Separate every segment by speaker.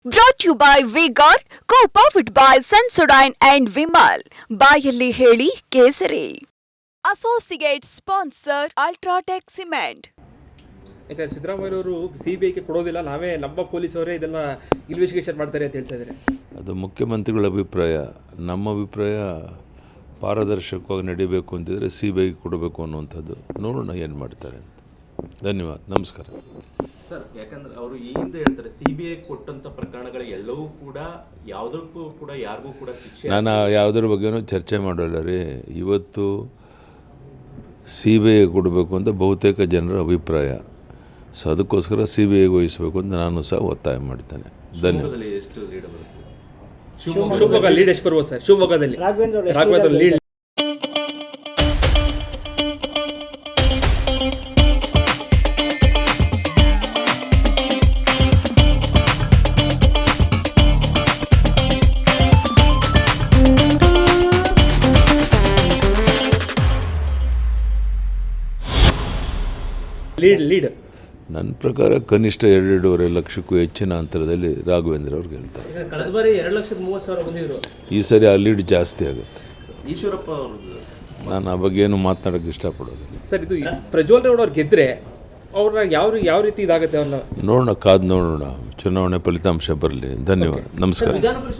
Speaker 1: Brought to you by Vigor, co-powered by Sensodyne and Vimal. ಬಾಯಲ್ಲಿ ಹೇಳಿ ಕೇಸರಿ. Associate sponsor Ultratech Cement.
Speaker 2: ಯಾಕಂದ್ರೆ ಸಿದ್ದರಾಮಯ್ಯವರು ಸಿಬಿಐಗೆ ಕೊಡೋದಿಲ್ಲ, ನಮ್ಮ ಪೊಲೀಸವರೇ ಇದೆಲ್ಲ ಇನ್ವೆಸ್ಟಿಗೇಷನ್ ಮಾಡ್ತಾರೆ ಅಂತ ಹೇಳ್ತಾ ಇದ್ದಾರೆ.
Speaker 3: ಅದು ಮುಖ್ಯಮಂತ್ರಿಗಳ ಅಭಿಪ್ರಾಯ. ನಮ್ಮ ಅಭಿಪ್ರಾಯ ಪಾರದರ್ಶಕವಾಗಿ ನಡೀಬೇಕು ಅಂತಿದ್ರೆ ಸಿಬಿಐಗೆ ಕೊಡಬೇಕು ಅನ್ನುವಂಥದ್ದು. ನೋಡೋಣ ಏನು ಮಾಡ್ತಾರೆ ಅಂತ. ಧನ್ಯವಾದ, ನಮಸ್ಕಾರ.
Speaker 4: ಸರ್, ಯಾಕಂದ್ರೆ ಅವರು ಈ ಹಿಂದೆ ಹೇಳ್ತಾರೆ ಸಿಬಿಐ ಕೊಟ್ಟಂಥ ಪ್ರಕರಣಗಳು ಎಲ್ಲವೂ ಕೂಡ ಯಾವುದಕ್ಕೂ ಕೂಡ ಯಾರಿಗೂ ಕೂಡ ಶಿಕ್ಷೆ.
Speaker 3: ನಾನು ಯಾವುದ್ರ ಬಗ್ಗೆನೂ ಚರ್ಚೆ ಮಾಡೋಲ್ಲ ರೀ. ಇವತ್ತು ಸಿ ಬಿ ಐ ಕೊಡಬೇಕು ಅಂತ ಬಹುತೇಕ ಜನರ ಅಭಿಪ್ರಾಯ. ಸೊ ಅದಕ್ಕೋಸ್ಕರ ಸಿ ಬಿ ಐಗೆ ವಹಿಸಬೇಕು ಅಂತ ನಾನು ಸಹ ಒತ್ತಾಯ ಮಾಡ್ತೇನೆ. ಧನ್ಯವಾದ.
Speaker 4: ಎಷ್ಟು ಲೀಡ್ ಬರುತ್ತೆ?
Speaker 2: ಶಿವಮೊಗ್ಗ ಲೀಡ್ ಎಷ್ಟು ಬರ್ಬೋದು ಸರ್? ಶಿವಮೊಗ್ಗದಲ್ಲಿ ರಾಘವೇಂದ್ರ ಲೀಡ್. ಲೀಡ್
Speaker 3: ನನ್ನ ಪ್ರಕಾರ ಕನಿಷ್ಠ 2.5 ಲಕ್ಷಕ್ಕೂ ಹೆಚ್ಚಿನ ಅಂತರದಲ್ಲಿ ರಾಘವೇಂದ್ರ ಅವ್ರು ಗೆಲ್ತಾರೆ.
Speaker 2: ಕಳೆದ ಬಾರಿ 2,30,000 ಬಂದಿದ್ರು.
Speaker 3: ಈ ಸರಿ ಆ ಲೀಡ್ ಜಾಸ್ತಿ ಆಗುತ್ತೆ.
Speaker 4: ಈಶ್ವರಪ್ಪ ಅವ್ರದ್ದು
Speaker 3: ನಾನು ಆ ಬಗ್ಗೆ ಏನು ಮಾತನಾಡೋಕ್ಕೆ ಇಷ್ಟಪಡೋದಿಲ್ಲ.
Speaker 2: ಸರ್, ಇದು ಪ್ರಜ್ವಲ್ ರೇವಣ್ಣ ಅವ್ರು ಗೆದ್ರೆ ಅವ್ರನ್ನ ಯಾವ ರೀತಿ ಇದಾಗುತ್ತೆ ಅವ್ರನ್ನ
Speaker 3: ನೋಡೋಣ, ಕಾದು ನೋಡೋಣ. ಚುನಾವಣೆ ಫಲಿತಾಂಶ ಬರಲಿ. ಧನ್ಯವಾದ, ನಮಸ್ಕಾರ.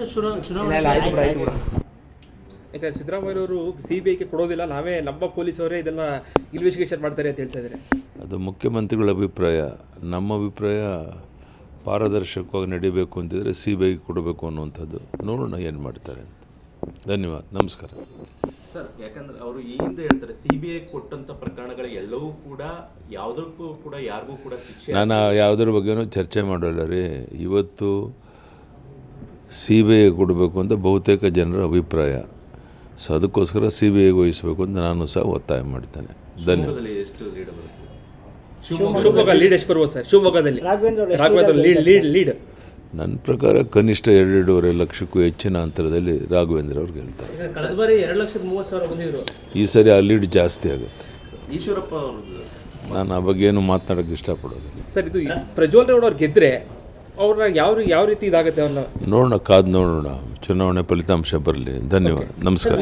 Speaker 2: ಯಾಕಂದ್ರೆ ಸಿದ್ದರಾಮಯ್ಯವರು ಸಿಬಿಐಗೆ ಕೊಡೋದಿಲ್ಲ, ನಮ್ಮ ಪೊಲೀಸವರೇ ಇದೆಲ್ಲ ಇನ್ವೆಸ್ಟಿಗೇಷನ್ ಮಾಡ್ತಾರೆ ಅಂತ ಹೇಳ್ತಾ ಇದ್ದಾರೆ.
Speaker 3: ಅದು ಮುಖ್ಯಮಂತ್ರಿಗಳ ಅಭಿಪ್ರಾಯ. ನಮ್ಮ ಅಭಿಪ್ರಾಯ ಪಾರದರ್ಶಕವಾಗಿ ನಡೀಬೇಕು ಅಂತಿದ್ರೆ ಸಿಬಿಐಗೆ ಕೊಡಬೇಕು ಅನ್ನುವಂಥದ್ದು. ನೋಡೋಣ ಏನು ಮಾಡ್ತಾರೆ ಅಂತ. ಧನ್ಯವಾದ, ನಮಸ್ಕಾರ.
Speaker 4: ಸರ್, ಯಾಕಂದ್ರೆ ಅವರು ಈ ಹಿಂದೆ ಹೇಳ್ತಾರೆ ಸಿಬಿಐ ಕೊಟ್ಟಂಥ ಪ್ರಕರಣಗಳು ಎಲ್ಲವೂ ಕೂಡ ಯಾವುದಕ್ಕೂ ಕೂಡ ಯಾರಿಗೂ ಕೂಡ ಶಿಕ್ಷೆ.
Speaker 3: ನಾನು ಯಾವುದ್ರ ಬಗ್ಗೆನೂ ಚರ್ಚೆ ಮಾಡೋಲ್ಲ ರೀ. ಇವತ್ತು ಸಿ ಬಿ ಐಗೆ ಕೊಡಬೇಕು ಅಂತ ಬಹುತೇಕ ಜನರ ಅಭಿಪ್ರಾಯ. ಸೊ ಅದಕ್ಕೋಸ್ಕರ ಸಿ ಬಿ ಐಗೆ ವಹಿಸಬೇಕು ಅಂತ ನಾನು ಸಹ ಒತ್ತಾಯ ಮಾಡ್ತೇನೆ. ಧನ್ಯವಾದ.
Speaker 4: ಎಷ್ಟು ಲೀಡ್ ಬರುತ್ತೆ?
Speaker 2: ಶಿವಮೊಗ್ಗ ಲೀಡ್ ಎಷ್ಟು ಬರ್ಬೋದು ಸರ್? ಶಿವಮೊಗ್ಗದಲ್ಲಿ ರಾಘವೇಂದ್ರ ಲೀಡ್.
Speaker 3: ನನ್ನ ಪ್ರಕಾರ ಕನಿಷ್ಠ 2.5 ಲಕ್ಷಕ್ಕೂ ಹೆಚ್ಚಿನ ಅಂತರದಲ್ಲಿ ರಾಘವೇಂದ್ರ ಅವ್ರು ಗೆಲ್ತಾರೆ.
Speaker 2: ಕಳೆದ ಬಾರಿ 2,30,000 ಬಂದಿದ್ರು. ಈ
Speaker 3: ಸರಿ ಆ ಲೀಡ್ ಜಾಸ್ತಿ ಆಗುತ್ತೆ.
Speaker 4: ಈಶ್ವರಪ್ಪ ಅವ್ರದ್ದು
Speaker 3: ನಾನು ಆ ಬಗ್ಗೆ ಏನು ಮಾತನಾಡೋಕ್ಕೆ ಇಷ್ಟಪಡೋದಿಲ್ಲ.
Speaker 2: ಸರ್, ಇದು ಪ್ರಜ್ವಲ್ ರೇವಣ್ಣ ಅವ್ರು ಗೆದ್ರೆ ಅವ್ರನ್ನ ಯಾವ ರೀತಿ ಇದಾಗುತ್ತೆ ಅವ್ರನ್ನ
Speaker 3: ನೋಡೋಣ, ಕಾದು ನೋಡೋಣ. ಚುನಾವಣೆ ಫಲಿತಾಂಶ ಬರಲಿ. ಧನ್ಯವಾದ, ನಮಸ್ಕಾರ.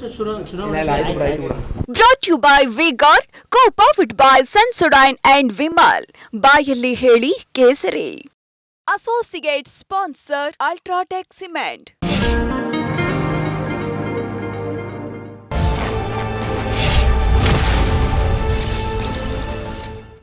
Speaker 1: Brought to you by Vigor, co-powered by Sensodyne and Vimal. ಬಾಯಲ್ಲಿ ಹೇಳಿ ಕೇಸರಿ. Associate sponsor Ultratech Cement.